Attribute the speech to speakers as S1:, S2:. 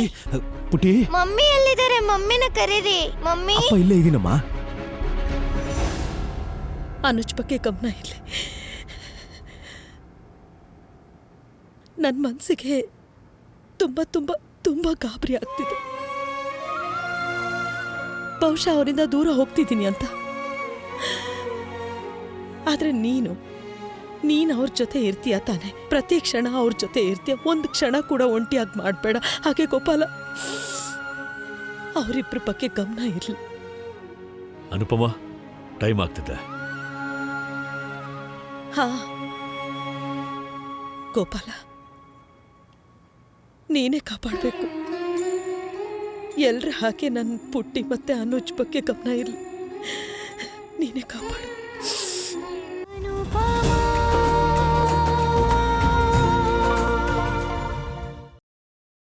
S1: ಪುಟಿ
S2: mummy ಎಲ್ಲಿದ್ದಾರೆ? ಮಮ್ಮಿನ ಕರೀರಿ. Mummy
S1: ಅಪ್ಪ ಇಲ್ಲೇ ಇದೀನಮ್ಮ.
S3: ಅನುಜ್ ಬಗ್ಗೆ ಗಮನ ಇರಲಿ. ನನ್ನ ಮನಸ್ಸಿಗೆ ತುಂಬ ತುಂಬ ತುಂಬ ಗಾಬರಿ ಆಗ್ತಿದೆ. ಬಹುಶಃ ಅವರಿಂದ ದೂರ ಹೋಗ್ತಿದ್ದೀನಿ ಅಂತ. ಆದರೆ ನೀನು ಅವ್ರ ಜೊತೆ ಇರ್ತೀಯ ತಾನೆ? ಪ್ರತಿ ಕ್ಷಣ ಅವ್ರ ಜೊತೆ ಇರ್ತೀಯ. ಒಂದು ಕ್ಷಣ ಕೂಡ ಒಂಟಿಯಾಗಿ ಮಾಡಬೇಡ. ಹಾಗೆ ಗೋಪಾಲ, ಅವರಿಬ್ಬರ ಬಗ್ಗೆ ಗಮನ ಇರಲಿ.
S4: ಅನುಪಮ, ಟೈಮ್ ಆಗ್ತಿದೆ.
S3: ಹಾ ಗೋಪಾಲ, ನೀನೇ ಕಾಪಾಡಬೇಕು. ಎಲ್ರ ಹಾಗೆ ನನ್ನ ಪುಟ್ಟಿ ಮತ್ತೆ ಅನುಜ್ ಬಗ್ಗೆ ಗಮನ ಇರಲಿ. ನೀನೇ ಕಾಪಾಡು.